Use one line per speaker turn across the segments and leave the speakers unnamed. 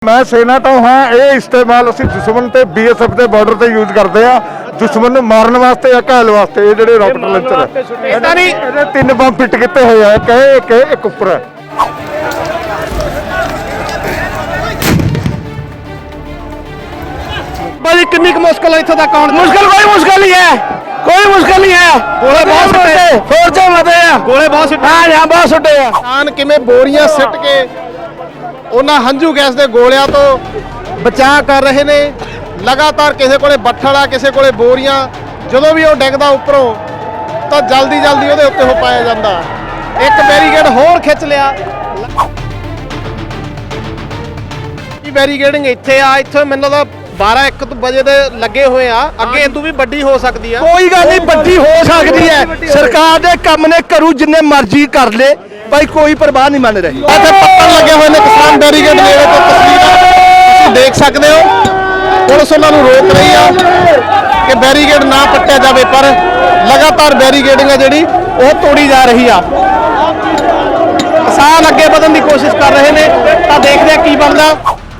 मैं सेना तो हाँ ये इस्तेमाल ਅਸੀਂ ਦੁਸ਼ਮਣ ਤੇ BSF ਦੇ ਬਾਰਡਰ ਤੇ ਯੂਜ਼ ਕਰਦੇ ਆ ਦੁਸ਼ਮਣ ਨੂੰ ਮਾਰਨ ਵਾਸਤੇ ਜਾਂ ਘਾਇਲ ਵਾਸਤੇ। ਇਹ ਜਿਹੜੇ ਰਾਕਟ ਲਾਂਚਰ
ਇਦਾਂ ਨਹੀਂ
ਇਹਦੇ 3 ਬੰਬ ਫਿੱਟ ਕੀਤੇ ਹੋਏ ਆ, ਇੱਕ ਉੱਪਰ ਹੈ।
भाई कितनी मुश्किल है इत्थे तक आउण मुश्किल कोई मुश्किल नहीं है, कोई मुश्किल नहीं है। गोले बहुत सुट्टे फोर्जा मते आ, गोले बहुत सुट्टे हां हां बहुत सुट्टे आ।
ਕਿਸਾਨ ਕਿਵੇਂ ਬੋਰੀਆਂ ਸਿੱਟ ਕੇ ਉਹਨਾਂ ਹੰਝੂ ਗੈਸ ਦੇ ਗੋਲਿਆਂ ਤੋਂ ਬਚਾਅ ਕਰ ਰਹੇ ਨੇ। ਲਗਾਤਾਰ ਕਿਸੇ ਕੋਲੇ ਬੱਠਲ ਆ, ਕਿਸੇ ਕੋਲੇ ਬੋਰੀਆਂ, ਜਦੋਂ ਵੀ ਉਹ ਡਿੱਗਦਾ ਉੱਪਰੋਂ ਤਾਂ ਜਲਦੀ ਉਹਦੇ ਉੱਤੇ ਹੋ ਪਾਇਆ ਜਾਂਦਾ। ਇੱਕ ਬੈਰੀਕੇਡ ਹੋਰ ਖਿੱਚ ਲਿਆ। ਇਹ ਬੈਰੀਕੇਡਿੰਗ ਇੱਥੇ ਆ, ਇੱਥੇ ਮੈਨੂੰ ਲੱਗਦਾ 12-1 ਵਜੇ ਦੇ ਲੱਗੇ ਹੋਏ ਆ। ਅੱਗੇ ਇਦੋਂ ਵੀ ਵੱਡੀ ਹੋ ਸਕਦੀ ਆ।
ਕੋਈ ਗੱਲ ਨਹੀਂ, ਵੱਡੀ ਹੋ ਸਕਦੀ ਹੈ। ਸਰਕਾਰ ਦੇ ਕੰਮ ਨੇ ਕਰੂ ਜਿੰਨੇ ਮਰਜ਼ੀ ਕਰ ਲੇ, ਭਾਈ ਕੋਈ ਪਰਵਾਹ ਨਹੀਂ ਮੰਨ ਰਹੀ।
ਇੱਥੇ ਪੱਤਰ ਲੱਗੇ ਹੋਏ ਨੇ ਕਿਸਾਨ ਬੈਰੀਕੇਡ ਨੇੜੇ ਤੋਂ ਤਸਵੀਰਾਂ ਤੁਸੀਂ ਦੇਖ ਸਕਦੇ ਹੋ। ਪੁਲਿਸ ਉਹਨਾਂ ਨੂੰ ਰੋਕ ਰਹੀ ਆ ਕਿ ਬੈਰੀਕੇਡ ਨਾ ਪੱਟਿਆ ਜਾਵੇ, ਪਰ ਲਗਾਤਾਰ ਬੈਰੀਕੇਡਿੰਗ ਆ ਜਿਹੜੀ ਉਹ ਤੋੜੀ ਜਾ ਰਹੀ ਆ। ਕਿਸਾਨ ਅੱਗੇ ਵਧਣ ਦੀ ਕੋਸ਼ਿਸ਼ ਕਰ ਰਹੇ ਨੇ, ਤਾਂ ਦੇਖਦੇ ਆ ਕੀ ਬਣਦਾ।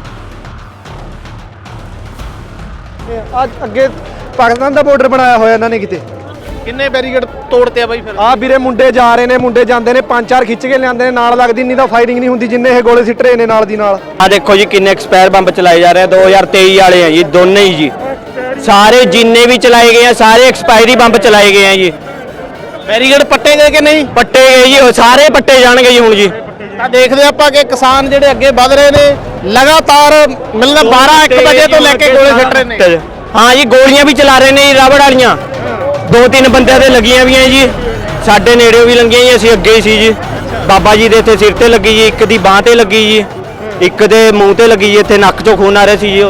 ਅੱਜ ਅੱਗੇ ਪਾਕਿਸਤਾਨ ਦਾ ਬਾਰਡਰ ਬਣਾਇਆ ਹੋਇਆ ਇਹਨਾਂ ਨੇ ਕਿਤੇ।
ਕਿੰਨੇ ਬੈਰੀਕੇਡ ਤੋੜਤੇ ਆ ਬਾਈ ਫਿਰ?
ਆ ਵੀਰੇ ਮੁੰਡੇ ਜਾ ਰਹੇ ਨੇ, ਮੁੰਡੇ ਜਾਂਦੇ ਨੇ, 5-4 ਖਿੱਚ ਕੇ ਲਿਆਂਦੇ ਨੇ, ਨਾਲ ਲੱਗਦੀ ਨਹੀਂ ਤਾਂ ਫਾਇਰਿੰਗ ਨਹੀਂ ਹੁੰਦੀ ਜਿੰਨੇ ਇਹ ਗੋਲੇ ਸਿੱਟ ਰਹੇ ਨੇ ਨਾਲ ਦੀ ਨਾਲ।
ਆ ਦੇਖੋ ਜੀ ਕਿੰਨੇ ਐਕਸਪਾਇਰ ਬੰਬ ਚਲਾਏ ਜਾ ਰਹੇ ਆ, 2023 ਵਾਲੇ ਆ ਜੀ ਦੋਨੇ ਹੀ ਜੀ। ਸਾਰੇ ਜਿੰਨੇ ਵੀ ਚਲਾਏ ਗਏ ਆ ਸਾਰੇ ਐਕਸਪਾਇਰੀ ਬੰਬ ਚਲਾਏ ਗਏ ਆ ਜੀ।
ਬੈਰੀਕੇਡ ਪੱਟੇ ਗਏ ਕਿ ਨਹੀਂ?
ਪੱਟੇ ਗਏ ਜੀ, ਉਹ ਸਾਰੇ ਪੱਟੇ ਜਾਣਗੇ ਜੀ ਹੁਣ ਜੀ।
ਤਾਂ ਦੇਖਦੇ ਆਪਾਂ ਕਿ ਕਿਸਾਨ ਜਿਹੜੇ ਅੱਗੇ ਵਧ ਰਹੇ ਨੇ। ਲਗਾਤਾਰ ਮਿਲਣਾ 12-1 ਵਜੇ ਤੋਂ ਲੈ ਕੇ ਗੋਲੇ ਸਿੱਟ ਰਹੇ ਨੇ।
ਹਾਂ ਜੀ, ਗੋਲੀਆਂ ਵੀ ਚਲਾ ਰਹੇ ਨੇ ਜੀ, ਰਬੜ ਵਾਲੀਆਂ 2-3 ਬੰਦਿਆਂ ਦੇ ਲੱਗੀਆਂ ਵੀ ਆ ਜੀ। ਸਾਡੇ ਨੇੜਿਓਂ ਵੀ ਲੰਗੀਆਂ ਜੀ, ਅਸੀਂ ਅੱਗੇ ਹੀ ਸੀ ਜੀ। ਬਾਬਾ ਜੀ ਦੇ ਇੱਥੇ ਸਿਰ ਤੇ ਲੱਗੀ ਜੀ, ਇੱਕ ਦੀ ਬਾਹ ਤੇ ਲੱਗੀ ਜੀ, ਇੱਕ ਦੇ ਮੂੰਹ ਤੇ ਲੱਗੀ ਜੀ, ਇੱਥੇ ਨੱਕ ਚੋਂ ਖੂਨ ਆ ਰਿਹਾ ਸੀ ਜੀ।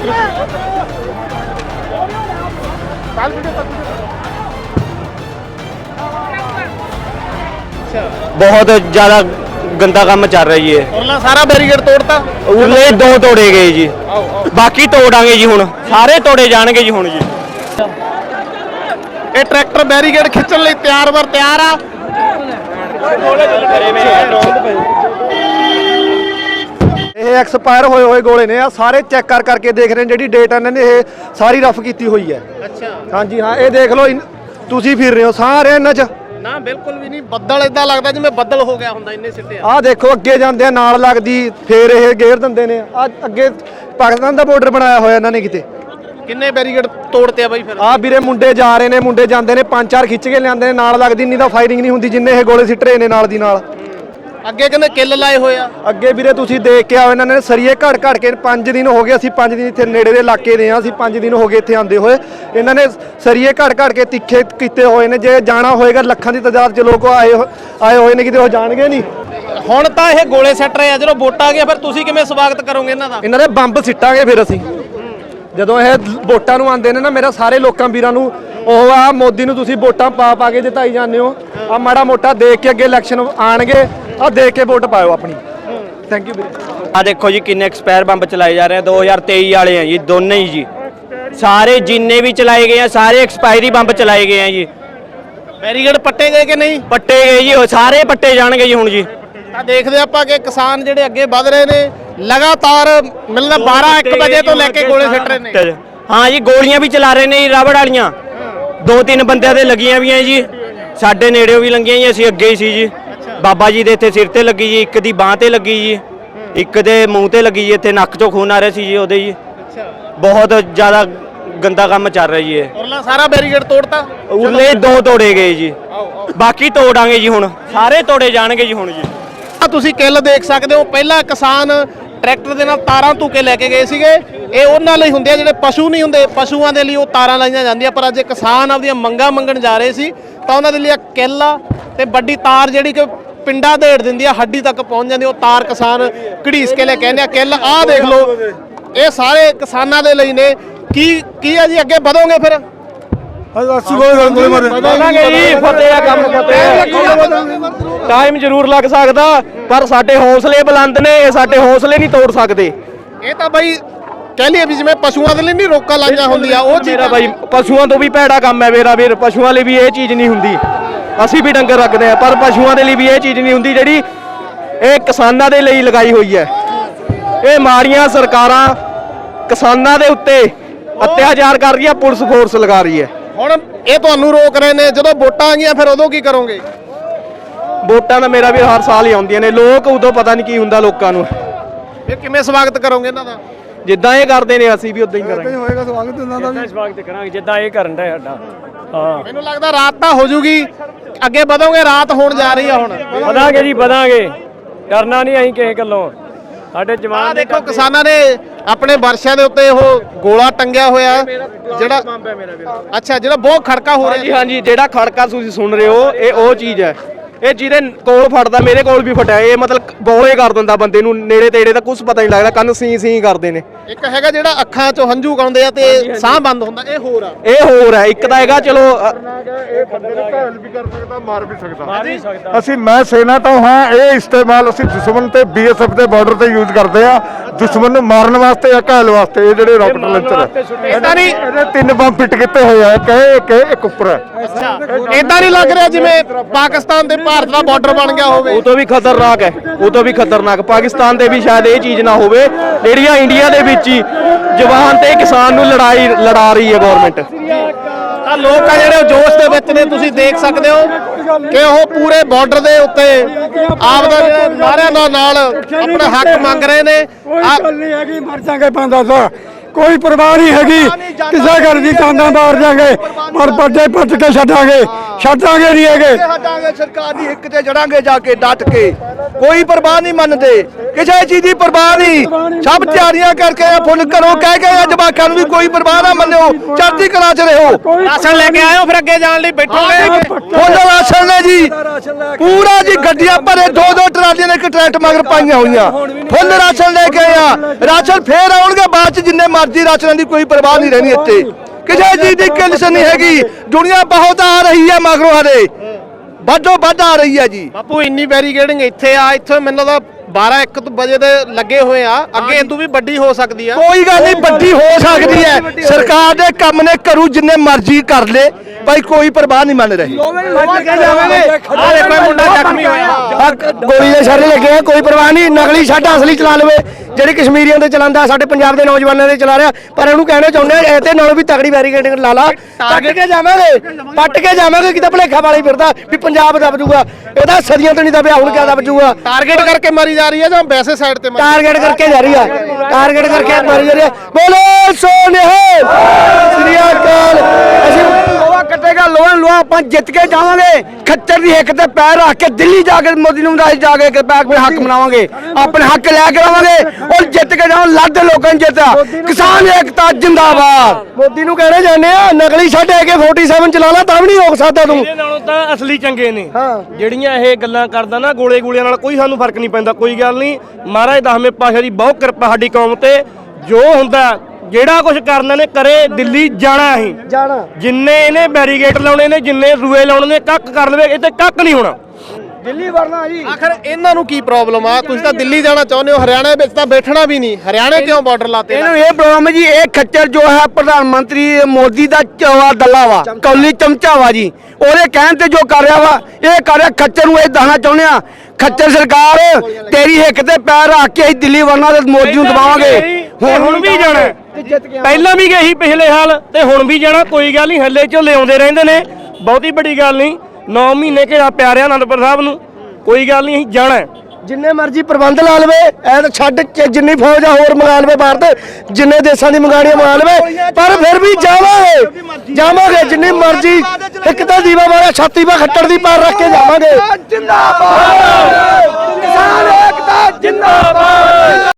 बहुत ज्यादा गंदा काम चल रहा है।
ਉਰਲਾ ਸਾਰਾ ਬੈਰੀਕੇਡ ਤੋੜਤਾ।
उरले 2 तोड़े गए जी, बाकी तोड़ांगे जी, हुण सारे तोड़े जाणगे जी हुण जी।
ਇਹ ਟਰੈਕਟਰ ਬੈਰੀਕੇਡ ਖਿੱਚਣ ਲਈ ਤਿਆਰ ਆ।
ਇਹ ਐਕਸਪਾਇਰ ਹੋਏ ਗੋਲੇ ਨੇ। ਆ ਸਾਰੇ ਚੈੱਕ ਕਰਕੇ ਦੇਖ ਰਹੇ ਨੇ, ਜਿਹੜੀ ਡੇਟ ਇਹਨਾਂ ਨੇ ਇਹ ਸਾਰੀ ਰਫ ਕੀਤੀ ਹੋਈ ਹੈ।
ਅੱਛਾ,
ਹਾਂਜੀ ਹਾਂ, ਇਹ ਦੇਖ ਲਓ, ਤੁਸੀਂ ਫਿਰ ਰਹੇ ਹੋ ਸਾਰੇ ਇਹਨਾਂ 'ਚ।
ਨਾ ਬਿਲਕੁਲ ਵੀ ਨਹੀਂ। ਬੱਦਲ ਇਦਾਂ ਲੱਗਦਾ ਜਿਵੇਂ ਬੱਦਲ ਹੋ ਗਿਆ ਹੁੰਦਾ, ਇੰਨੇ ਸਿੱਟੇ ਆ।
ਆਹ ਦੇਖੋ ਅੱਗੇ ਜਾਂਦੇ ਆ, ਨਾਲ ਲੱਗਦੀ ਫੇਰ ਇਹ ਗੇਰ ਦਿੰਦੇ ਨੇ। ਆ ਅੱਗੇ ਪਾਕਿਸਤਾਨ ਦਾ ਬਾਰਡਰ ਬਣਾਇਆ ਹੋਇਆ ਇਹਨਾਂ ਨੇ ਕਿਤੇ।
ਕਿੰਨੇ ਬੈਰੀਕੇਡ ਤੋੜਤੇ ਆ ਬਾਈ ਫਿਰ?
ਆ ਵੀਰੇ ਮੁੰਡੇ ਜਾ ਰਹੇ ਨੇ, ਮੁੰਡੇ ਜਾਂਦੇ ਨੇ, 5-4 ਖਿੱਚ ਕੇ ਲਿਆਂਦੇ ਨੇ, ਨਾਲ ਲੱਗਦੀ ਨਹੀਂ ਤਾਂ ਫਾਇਰਿੰਗ ਨਹੀਂ ਹੁੰਦੀ ਜਿੰਨੇ ਇਹ ਗੋਲੇ ਸਿੱਟ ਰਹੇ ਨੇ ਨਾਲ ਦੀ ਨਾਲ।
ਅੱਗੇ ਕਹਿੰਦੇ ਕਿੱਲ ਲਾਏ ਹੋਏ ਆ।
ਅੱਗੇ ਵੀਰੇ ਤੁਸੀਂ ਦੇਖ ਕੇ ਆਓ, ਇਹਨਾਂ ਨੇ ਸਰੀਏ ਘੜ ਕੇ 5 ਦਿਨ ਹੋ ਗਏ। ਅਸੀਂ 5 ਦਿਨ ਇੱਥੇ ਨੇੜੇ ਦੇ ਇਲਾਕੇ ਦੇ ਆ, ਅਸੀਂ 5 ਦਿਨ ਹੋ ਗਏ ਇੱਥੇ ਆਂਦੇ ਹੋਏ। ਇਹਨਾਂ ਨੇ ਸਰੀਏ ਘੜ ਕੇ ਤਿੱਖੇ ਕੀਤੇ ਹੋਏ ਨੇ। ਜੇ ਜਾਣਾ ਹੋਏਗਾ ਲੱਖਾਂ ਦੀ ਤਾਦਾਦ 'ਚ ਲੋਕ ਆਏ ਹੋਏ ਨੇ, ਕਿਤੇ ਉਹ ਜਾਣਗੇ ਨਹੀਂ।
ਹੁਣ ਤਾਂ ਇਹ ਗੋਲੇ ਸਿੱਟ ਰਹੇ ਆ, ਜਦੋਂ ਵੋਟਾਂ ਆ ਗਿਆ ਫਿਰ ਤੁਸੀਂ ਕਿਵੇਂ ਸਵਾਗਤ ਕਰੋਗੇ ਇਹਨਾਂ ਦਾ?
ਇਹਨਾਂ ਦੇ ਬੰਬ ਸਿੱਟਾਂਗੇ ਫਿਰ ਅਸੀਂ ਜਦੋਂ ਇਹ ਵੋਟਾਂ ਨੂੰ ਆਉਂਦੇ ਨੇ ਨਾ। ਮੇਰਾ ਸਾਰੇ ਲੋਕਾਂ ਵੀਰਾਂ ਨੂੰ ਉਹ ਆ, ਮੋਦੀ ਨੂੰ ਤੁਸੀਂ ਵੋਟਾਂ ਪਾ ਕੇ ਜਿਤਾਈ ਜਾਂਦੇ ਹੋ। ਆ ਮਾੜਾ ਮੋਟਾ ਦੇਖ ਕੇ ਅੱਗੇ ਇਲੈਕਸ਼ਨ ਆਣਗੇ, ਆ ਦੇਖ ਕੇ ਵੋਟ ਪਾਇਓ ਆਪਣੀ। ਥੈਂਕ ਯੂ ਵੀਰੇ।
आ देखो जी किन्ने एक्सपायर बंब चलाए जा रहे हैं, 2023 वाले हैं जी दोने ही जी। सारे जिन्ने भी चलाए गए हैं सारे एक्सपायरी बंब चलाए गए हैं जी।
ਬੈਰੀਕੇਡ ਪੱਟੇ ਗਏ ਕਿ ਨਹੀਂ?
पट्टे गए जी, वो सारे पट्टे जाणगे जी हुण जी।
ਤਾਂ ਦੇਖਦੇ ਆਪਾਂ ਕਿ ਕਿਸਾਨ ਜਿਹੜੇ ਅੱਗੇ ਵਧ ਰਹੇ ਨੇ। ਲਗਾਤਾਰ ਮਿਲਣਾ 12-1 ਵਜੇ ਤੋਂ ਲੈ ਕੇ ਗੋਲੇ ਸਿੱਟ ਰਹੇ ਨੇ।
हाँ जी, गोलियां भी चला रहे ने जी, रबड़ वालियां 2-3 ਬੰਦਿਆਂ ਦੇ ਲੱਗੀਆਂ ਵੀ ਆ ਜੀ। ਸਾਡੇ ਨੇੜਿਓਂ ਵੀ ਲੰਗੀਆਂ ਜੀ, ਅਸੀਂ ਅੱਗੇ ਹੀ ਸੀ ਜੀ। ਬਾਬਾ ਜੀ ਦੇ ਇੱਥੇ ਸਿਰ ਤੇ ਲੱਗੀ ਜੀ, ਇੱਕ ਦੀ ਬਾਹ ਤੇ ਲੱਗੀ ਜੀ, ਇੱਕ ਦੇ ਮੂੰਹ ਤੇ ਲੱਗੀ ਜੀ, ਇੱਥੇ ਨੱਕ ਚੋਂ ਖੂਨ ਆ ਰਿਹਾ ਸੀ ਜੀ ਉਹਦੇ ਜੀ। बहुत ज्यादा गंदा काम चल रहा है।
ਉਰਲਾ ਸਾਰਾ ਬੈਰੀਕੇਡ ਤੋੜਤਾ।
उरले 2 तोड़े गए जी, बाकी तोड़ांगे जी, हुण सारे तोड़े जाणगे जी हुण जी।
ਆ ਤੁਸੀਂ ਕਿੱਲ ਦੇਖ ਸਕਦੇ ਹੋ। ਪਹਿਲਾਂ ਕਿਸਾਨ ਟਰੈਕਟਰ ਦੇ ਨਾਲ ਤਾਰਾਂ ਧੂਕੇ ਲੈ ਕੇ ਗਏ ਸੀਗੇ। ਇਹ ਉਹਨਾਂ ਲਈ ਹੁੰਦੇ ਆ ਜਿਹੜੇ ਪਸ਼ੂ ਨਹੀਂ ਹੁੰਦੇ, ਪਸ਼ੂਆਂ ਦੇ ਲਈ ਉਹ ਤਾਰਾਂ ਲਾਈਆਂ ਜਾਂਦੀਆਂ। ਪਰ ਅੱਜ ਇਹ ਕਿਸਾਨ ਆਪਦੀਆਂ ਮੰਗਾਂ ਮੰਗਣ ਜਾ ਰਹੇ ਸੀ, ਤਾਂ ਉਹਨਾਂ ਦੇ ਲਈ ਕਿੱਲ ਆ ਤੇ ਵੱਡੀ ਤਾਰ ਜਿਹੜੀ ਕਿ ਪਿੰਡਾਂ ਦੇੜ ਦਿੰਦੀ ਆ, ਹੱਡੀ ਤੱਕ ਪਹੁੰਚ ਜਾਂਦੀ। ਉਹ ਤਾਰ ਕਿਸਾਨ ਘੜੀਸ ਕੇ ਲੈ ਕੇ ਆਉਂਦੇ ਆ ਕਿੱਲ। ਆਹ ਦੇਖ ਲਓ, ਇਹ ਸਾਰੇ ਕਿਸਾਨਾਂ ਦੇ ਲਈ ਨੇ। ਕੀ ਆ ਜੀ, ਅੱਗੇ ਵਧੋਗੇ ਫਿਰ?
ਟਾਈਮ ਜ਼ਰੂਰ ਲੱਗ ਸਕਦਾ, ਪਰ ਸਾਡੇ ਹੌਸਲੇ ਬੁਲੰਦ ਨੇ, ਇਹ ਸਾਡੇ ਹੌਸਲੇ ਨਹੀਂ ਤੋੜ ਸਕਦੇ।
ਇਹ ਤਾਂ ਬਾਈ ਕਹਿ ਲਈਏ ਵੀ ਜਿਵੇਂ ਪਸ਼ੂਆਂ ਦੇ ਲਈ ਨਹੀਂ ਰੋਕਾਂ ਲਾਈਆਂ ਹੁੰਦੀਆਂ, ਉਹ ਚੀਜ਼
ਮੇਰਾ ਬਾਈ ਪਸ਼ੂਆਂ ਤੋਂ ਵੀ ਭੈੜਾ ਕੰਮ ਹੈ ਮੇਰਾ ਵੀਰ। ਪਸ਼ੂਆਂ ਲਈ ਵੀ ਇਹ ਚੀਜ਼ ਨਹੀਂ ਹੁੰਦੀ। ਅਸੀਂ ਵੀ ਡੰਗਰ ਰੱਖਦੇ ਆ, ਪਰ ਪਸ਼ੂਆਂ ਦੇ ਲਈ ਵੀ ਇਹ ਚੀਜ਼ ਨਹੀਂ ਹੁੰਦੀ ਜਿਹੜੀ ਇਹ ਕਿਸਾਨਾਂ ਦੇ ਲਈ ਲਗਾਈ ਹੋਈ ਹੈ। ਇਹ ਮਾੜੀਆਂ ਸਰਕਾਰਾਂ ਕਿਸਾਨਾਂ ਦੇ ਉੱਤੇ ਅਤਿਆਚਾਰ ਕਰ ਰਹੀ ਹੈ, ਪੁਲਿਸ ਫੋਰਸ ਲਗਾ ਰਹੀ ਹੈ।
ਹੁਣ ਇਹ ਤੁਹਾਨੂੰ ਰੋਕ ਰਹੇ ਨੇ, ਜਦੋਂ ਵੋਟਾਂ ਆ ਗਈਆਂ ਫਿਰ ਉਦੋਂ ਕੀ ਕਰੋਗੇ?
ਵੋਟਾਂ ਤਾਂ ਮੇਰਾ ਵੀ ਹਰ ਸਾਲ ਹੀ ਆਉਂਦੀਆਂ ਨੇ, ਲੋਕ ਉਦੋਂ ਪਤਾ ਨਹੀਂ ਕੀ ਹੁੰਦਾ ਲੋਕਾਂ ਨੂੰ।
ਫਿਰ ਕਿਵੇਂ ਸਵਾਗਤ ਕਰੋਗੇ ਇਹਨਾਂ ਦਾ?
ਜਿੱਦਾਂ ਇਹ ਕਰਦੇ ਨੇ ਅਸੀਂ ਵੀ ਉਦਾਂ ਹੀ ਕਰਾਂਗੇ।
ਸਵਾਗਤ ਕਰਾਂਗੇ ਜਿੱਦਾਂ ਇਹ ਕਰਨ ਦਾ ਸਾਡਾ। ਹਾਂ
ਮੈਨੂੰ ਲੱਗਦਾ ਰਾਤ ਤਾਂ ਹੋ ਜੂਗੀ, ਅੱਗੇ ਵਧੋਗੇ, ਰਾਤ ਹੋਣ ਜਾ ਰਹੀ ਆ ਹੁਣ।
ਵਧਾਂਗੇ ਜੀ ਵਧਾਂਗੇ, ਕਰਨਾ ਨਹੀਂ ਅਸੀਂ ਕਿਸੇ ਗੱਲੋਂ। ਸਾਡੇ
ਆਹ
ਜਵਾਨ
ਦੇਖੋ ਕਿਸਾਨਾਂ ਨੇ ਆਪਣੇ ਵਰਸ਼ਿਆਂ ਦੇ ਉੱਤੇ ਉਹ ਗੋਲਾ ਟੰਗਿਆ ਹੋਇਆ ਹੈ, ਜਿਹੜਾ ਅੱਛਾ ਜਿਹੜਾ ਬਹੁਤ ਖੜਕਾ ਹੋ
ਹਾਂਜੀ
ਰਿਹਾ।
ਹਾਂਜੀ, ਜਿਹੜਾ ਖੜਕਾ ਤੁਸੀਂ ਸੁਣ ਰਹੇ ਹੋ ਇਹ ਉਹ ਚੀਜ਼ ਹੈ। ਇਹ ਜਿਹਦੇ ਕੋਲ ਫੜਦਾ, ਮੇਰੇ ਕੋਲ ਵੀ ਫਟਿਆ, ਇਹ ਮਤਲਬ ਬੋਲੇ ਕਰ ਦਿੰਦਾ ਬੰਦੇ ਨੂੰ, ਨੇੜੇ ਤੇੜੇ ਦਾ ਕੁਝ ਪਤਾ ਨਹੀਂ ਲੱਗਦਾ, ਕੰਨ ਸੀ ਕਰਦੇ ਨੇ।
ਇੱਕ ਹੈਗਾ ਜਿਹੜਾ ਅੱਖਾਂ 'ਚੋਂ ਹੰਝੂ ਗਾਉਂਦੇ ਆ ਤੇ ਸਾਹ ਬੰਦ ਹੁੰਦਾ, ਇਹ ਹੋਰ ਆ।
ਇਹ ਹੋਰ ਹੈ, ਇੱਕ ਤਾਂ ਹੈਗਾ ਚਲੋ
ਇਹ ਬੰਦੇ ਨੂੰ ਘਾਇਲ ਵੀ ਕਰ ਸਕਦਾ, ਮਾਰ ਵੀ ਸਕਦਾ।
ਮਾਰ ਵੀ ਸਕਦਾ।
ਅਸੀਂ ਮੈਂ ਸੈਨਾ ਤੋਂ ਹਾਂ, ਇਹ ਇਸਤੇਮਾਲ ਅਸੀਂ ਦੁਸ਼ਮਣ ਤੇ BSF ਦੇ ਬਾਰਡਰ ਤੇ ਯੂਜ਼ ਕਰਦੇ ਆ, ਦੁਸ਼ਮਣ ਨੂੰ ਮਾਰਨ ਵਾਸਤੇ ਜਾਂ ਘਾਇਲ ਵਾਸਤੇ। ਇਹ ਜਿਹੜੇ ਰਾਕਟ ਲਾਂਚਰ
ਏਦਾਂ ਨਹੀਂ
ਇਹਦੇ 3 ਬੰਬ ਫਿੱਟ ਕੀਤੇ ਹੋਏ ਆ, ਇੱਕ ਉੱਪਰ ਹੈ।
ਅੱਛਾ, ਏਦਾਂ ਨਹੀਂ ਲੱਗ ਰਿਹਾ ਜਿਵੇਂ ਪਾਕਿਸਤਾਨ ਤੇ ਭਾਰਤ ਦਾ ਬਾਰਡਰ ਬਣ ਗਿਆ ਹੋਵੇ।
ਉਹ ਤੋਂ ਵੀ ਖਤਰਨਾਕ ਹੈ, ਉਹ ਤੋਂ ਵੀ ਖਤਰਨਾਕ। ਪਾਕਿਸਤਾਨ ਦੇ ਵੀ ਸ਼ਾਇਦ ਇਹ ਚੀਜ਼ ਨਾ ਹੋਵੇ, ਜਿਹੜੀਆਂ ਇੰਡੀਆ ਦੇ ਵਿੱਚ ਹੀ ਜਵਾਨ ਤੇ ਕਿਸਾਨ ਨੂੰ ਲੜਾ ਰਹੀ ਹੈ ਗਵਰਨਮੈਂਟ।
ਆ ਲੋਕ ਆ ਜਿਹੜੇ ਉਹ ਜੋਸ਼ ਦੇ ਵਿੱਚ ਨੇ, ਤੁਸੀਂ ਦੇਖ ਸਕਦੇ ਹੋ ਕਿ ਉਹ ਪੂਰੇ ਬਾਰਡਰ ਦੇ ਉੱਤੇ ਆਪਦਾ ਜਿਹੜੇ ਨਾਰਿਆਂ ਦਾ ਨਾਲ ਆਪਣੇ ਹੱਕ ਮੰਗ ਰਹੇ ਨੇ।
ਗੱਲ ਨਹੀਂ ਹੈਗੀ ਮਰ ਜਾਗੇ 5-10, ਕੋਈ ਪਰਵਾਹ ਨਹੀਂ ਹੈਗੀ ਕਿਸੇ ਗੱਲ ਦੀ, ਕਾਂਦਾ ਮਾਰ ਜਾਗੇ ਪਰ ਪੱਟੇ ਪੱਟ ਕੇ ਛੱਡਾਂਗੇ ਨਹੀਂ ਹੈਗੇ।
ਹਟਾਂਗੇ ਸਰਕਾਰ ਦੀ ਹਿੱਕ ਤੇ ਜੜਾਂਗੇ ਜਾ ਕੇ ਡਟ ਕੇ, ਕੋਈ ਪਰਵਾਹ ਨਹੀਂ ਮੰਨਦੇ, ਕਿਸੇ ਚੀਜ਼ ਦੀ ਪਰਵਾਹ ਨਹੀਂ। ਸਭ ਤਿਆਰੀਆਂ ਕਰਕੇ ਫੁੱਲ ਘਰੋਂ ਕਹਿ ਕੇ ਜਵਾਕਾਂ ਨੂੰ ਵੀ ਕੋਈ ਪਰਵਾਹ ਨਾ ਮੰਨਿਓ, ਚੜ੍ਹਦੀ ਕਲਾ 'ਚ ਰਹੋ।
ਰਾਸ਼ਨ ਲੈ ਕੇ ਆਇਓ, ਫਿਰ ਅੱਗੇ ਜਾਣ ਲਈ ਬੈਠੋਗੇ।
ਫੁੱਲ ਰਾਸ਼ਨ ਨੇ ਜੀ, ਪੂਰਾ ਜੀ ਗੱਡੀਆਂ ਭਰੇ, 2-2 ਟਰਾਲੀਆਂ ਨੇ ਇੱਕ ਟਰੈਕਟਰ ਮਗਰ ਪਾਈਆਂ ਹੋਈਆਂ, ਫੁੱਲ ਰਾਸ਼ਨ ਲੈ ਕੇ ਆਇਆ। ਰਾਸ਼ਨ ਫੇਰ ਆਉਣਗੇ ਬਾਅਦ 'ਚ, ਜਿੰਨੇ ਮਰਜ਼ੀ ਰਾਸ਼ਨਾਂ ਦੀ ਕੋਈ ਪਰਵਾਹ ਨਹੀਂ ਰਹਿਣੀ ਇੱਥੇ, ਕਿਸੇ ਚੀਜ਼ ਦੀ ਕਿਲਸ ਨਹੀਂ ਹੈਗੀ। ਦੁਨੀਆ ਬਹੁਤ ਆ ਰਹੀ ਹੈ ਮਗਰੋਂ, ਹਰੇ ਵੱਧੋ ਵੱਧ ਆ ਰਹੀ ਹੈ ਜੀ।
ਬਾਪੂ ਇੰਨੀ ਬੈਰੀਕੇਡਿੰਗ ਇੱਥੇ ਆ, ਇੱਥੇ ਮੈਨੂੰ ਲੱਗਦਾ 12-1 ਵਜੇ ਦੇ ਲੱਗੇ ਹੋਏ ਆ, ਅੱਗੇ ਇਦੋਂ ਵੀ ਵੱਡੀ ਹੋ ਸਕਦੀ ਆ।
ਕੋਈ ਗੱਲ ਨਹੀਂ, ਵੱਡੀ ਹੋ ਸਕਦੀ ਹੈ। ਸਰਕਾਰ ਦੇ ਕੰਮ ਨੇ ਕਰੂ ਜਿੰਨੇ ਮਰਜ਼ੀ ਕਰ ਲੇ, ਭਾਈ ਕੋਈ ਪਰਵਾਹ ਨਹੀਂ ਮੰਨ ਰਹੀ।
ਆ ਦੇਖੋ ਇਹ ਮੁੰਡਾ ਜ਼ਖਮੀ ਹੋਇਆ।
ਗੋਲੀ ਦੇ ਸਾਰੇ ਲੱਗੇ ਆ, ਕੋਈ ਪਰਵਾਹ ਨਹੀਂ। ਨਕਲੀ ਛੱਡ ਅਸਲੀ ਚਲਾ ਲਵੇ, ਜਿਹੜੀ ਕਸ਼ਮੀਰੀਆਂ ਤੇ ਚਲਾਉਂਦਾ, ਸਾਡੇ ਪੰਜਾਬ ਦੇ ਨੌਜਵਾਨਾਂ ਦੇ ਚਲਾ ਰਿਹਾ। ਪਰ ਇਹਨੂੰ ਕਹਿਣਾ ਚਾਹੁੰਦੇ ਆ ਇਹਦੇ ਨਾਲੋਂ ਵੀ ਤਗੜੀ ਬੈਰੀਕੇਡਿੰਗ ਲਾ ਲਾ, ਪੱਟ ਕੇ ਜਾਵਾਂਗੇ ਕਿਤੇ ਭਲੇਖਾ ਵਾਲੀ ਫਿਰਦਾ ਵੀ ਪੰਜਾਬ ਦਬ ਜੂਗਾ, ਇਹਦਾ ਸਦੀਆਂ ਤੋਂ ਨਹੀਂ ਦਬਿਆ, ਹੁਣ ਕਿਆ ਦਬ ਜੂਗਾ।
ਟਾਰਗੇਟ ਕਰਕੇ ਮਾਰੀ ਜਾ ਰਹੀ ਹੈ ਜਾਂ ਵੈਸੇ ਸਾਈਡ ਤੇ ਮਾਰੀ?
ਟਾਰਗੇਟ ਕਰਕੇ ਜਾ ਰਹੀ ਆ, ਟਾਰਗੇਟ ਕਰਕੇ ਮਾਰੀ ਜਾ ਰਹੀ ਆ। ਬੋਲੋ ਸੋਨਿਹਾਲ, ਸ੍ਰੀ ਅਕਾਲ। ਅਸੀਂ ਲੋਹਾ ਕੱਟੇਗਾ, ਲੋਹਾ ਆਪਾਂ ਜਿੱਤ ਕੇ ਜਾਵਾਂਗੇ। ਖੱਚਰ ਦੀ ਹਿੱਕ ਤੇ ਪੈਰ ਰੱਖ ਕੇ ਦਿੱਲੀ ਜਾ ਕੇ ਮੋਦੀ ਨੂੰ ਜਾ ਕੇ ਆਪਣੇ ਹੱਕ ਮਨਾਵਾਂਗੇ, ਆਪਣੇ ਹੱਕ ਲੈ ਕੇ ਆਵਾਂਗੇ ਔਰ ਜਿੱਤ ਕੇ ਜਾਵਾਂ। ਲੱਦ ਲੋਕਾਂ ਨੂੰ ਜਿੱਤਾ, ਕਿਸਾਨ ਏਕਤਾ ਜਿੰਦਾਬਾਦ। ਮੋਦੀ ਨੂੰ ਕਹਿਣਾ ਚਾਹੁੰਦੇ ਆ, ਨਕਲੀ ਛੱਡ ਕੇ 47 ਚਲਾ ਲਾ ਤਾਂ ਵੀ ਨਹੀਂ ਰੋਕ ਸਕਦਾ ਤੂੰ।
ਇਹਦੇ ਨਾਲੋਂ ਤਾਂ ਅਸਲੀ ਚੰਗੇ ਨੇ। ਜਿਹੜੀਆਂ ਇਹ ਗੱਲਾਂ ਕਰਦਾ ਨਾ ਗੋਲੀਆਂ ਨਾਲ, ਕੋਈ ਸਾਨੂੰ ਫਰਕ ਨਹੀਂ ਪੈਂਦਾ। ਕੋਈ ਗੱਲ ਨਹੀਂ, ਮਹਾਰਾਜ ਦਸਵੇਂ ਪਾਤਸ਼ਾਹ ਦੀ ਬਹੁਤ ਕਿਰਪਾ ਸਾਡੀ ਕੌਮ ਤੇ। ਜੋ ਹੁੰਦਾ ਜਿਹੜਾ ਕੁਝ ਕਰਨਾ ਨੇ ਕਰੇ, ਦਿੱਲੀ ਜਾਣਾ ਅਸੀਂ
ਜਾਣਾ।
ਜਿੰਨੇ ਇਹਨੇ ਬੈਰੀਗੇਟ ਲਾਉਣੇ ਨੇ, ਜਿੰਨੇ ਰੂਏ ਲਾਉਣੇ ਨੇ, ਕੱਖ ਕਰ ਲਵੇ, ਇੱਥੇ ਕੱਖ ਨਹੀਂ ਹੋਣਾ।
ਦਿੱਲੀ ਵਰਨਾ ਜੀ।
ਆਖਰ ਇਹਨਾਂ ਨੂੰ ਕੀ ਪ੍ਰੋਬਲਮ ਆ? ਤੁਸੀਂ ਤਾਂ ਦਿੱਲੀ ਜਾਣਾ ਚਾਹੁੰਦੇ ਹੋ, ਹਰਿਆਣਾ ਵਿੱਚ ਤਾਂ ਬੈਠਣਾ ਵੀ ਨਹੀਂ। ਹਰਿਆਣੇ ਕਿਉਂ ਬਾਰਡਰ ਲਾਤੇ?
ਇਹਨੂੰ ਇਹ ਪ੍ਰੋਬਲਮ ਹੈ ਜੀ, ਇਹ ਖੱਚਰ ਜੋ ਹੈ ਪ੍ਰਧਾਨ ਮੰਤਰੀ ਮੋਦੀ ਦਾ ਚਵਾ ਦੱਲਾ ਵਾ, ਕੌਲੀ ਚਮਚਾ ਵਾ ਜੀ। ਉਹਦੇ ਕਹਿਣ ਤੇ ਜੋ ਕਰ ਰਿਹਾ ਵਾ, ਇਹ ਕਰ ਰਿਹਾ। ਖੱਚਰ ਨੂੰ ਇਹ ਦੱਸਣਾ ਚਾਹੁੰਦੇ ਆ, ਖੱਚਰ ਸਰਕਾਰ ਤੇਰੀ ਹਿੱਕ ਤੇ ਪੈਰ ਰੱਖ ਕੇ ਅਸੀਂ ਦਿੱਲੀ ਵਰਨਾ ਤੇ ਮੋਦੀ ਨੂੰ ਦਬਾਵਾਂਗੇ।
ਹੁਣ ਵੀ ਜਾਣਾ, ਪਹਿਲਾਂ ਵੀ ਗਏ ਸੀ ਪਿਛਲੇ ਸਾਲ ਤੇ ਹੁਣ ਵੀ ਜਾਣਾ। ਕੋਈ ਗੱਲ ਨਹੀਂ, ਹੱਲੇ ਝੋਲੇ ਆਉਂਦੇ ਰਹਿੰਦੇ ਨੇ, ਬਹੁਤੀ ਵੱਡੀ ਗੱਲ ਨਹੀਂ। 9 ਮਹੀਨੇ ਘੇਰਾ ਪਿਆਰਿਆ ਅਨੰਦਪੁਰ ਸਾਹਿਬ ਨੂੰ, ਕੋਈ ਗੱਲ ਨਹੀਂ, ਅਸੀਂ ਜਾਣਾ।
ਜਿੰਨੇ ਮਰਜ਼ੀ ਪ੍ਰਬੰਧ ਲਾ ਲਵੇ, ਐ ਤਾਂ ਛੱਡ ਕੇ ਜਿੰਨੀ ਫੌਜ ਆ ਹੋਰ ਮੰਗਾ ਲਵੇ ਬਾਹਰ ਤੇ, ਜਿੰਨੇ ਦੇਸ਼ਾਂ ਦੀ ਮੰਗਾਣੀਆਂ ਮੰਗਾ ਲਵੇ, ਪਰ ਫਿਰ ਵੀ ਜਾਵਾਂਗੇ ਜਿੰਨੀ ਮਰਜ਼ੀ। ਇੱਕ ਤਾਂ ਦੀਵਾ ਵਾਲਾ ਛਾਤੀ 'ਤੇ ਖੱਟੜ ਦੀ ਪਾਰ ਰੱਖ ਕੇ ਜਾਵਾਂਗੇ। ਜਿੰਦਾਬਾਦ।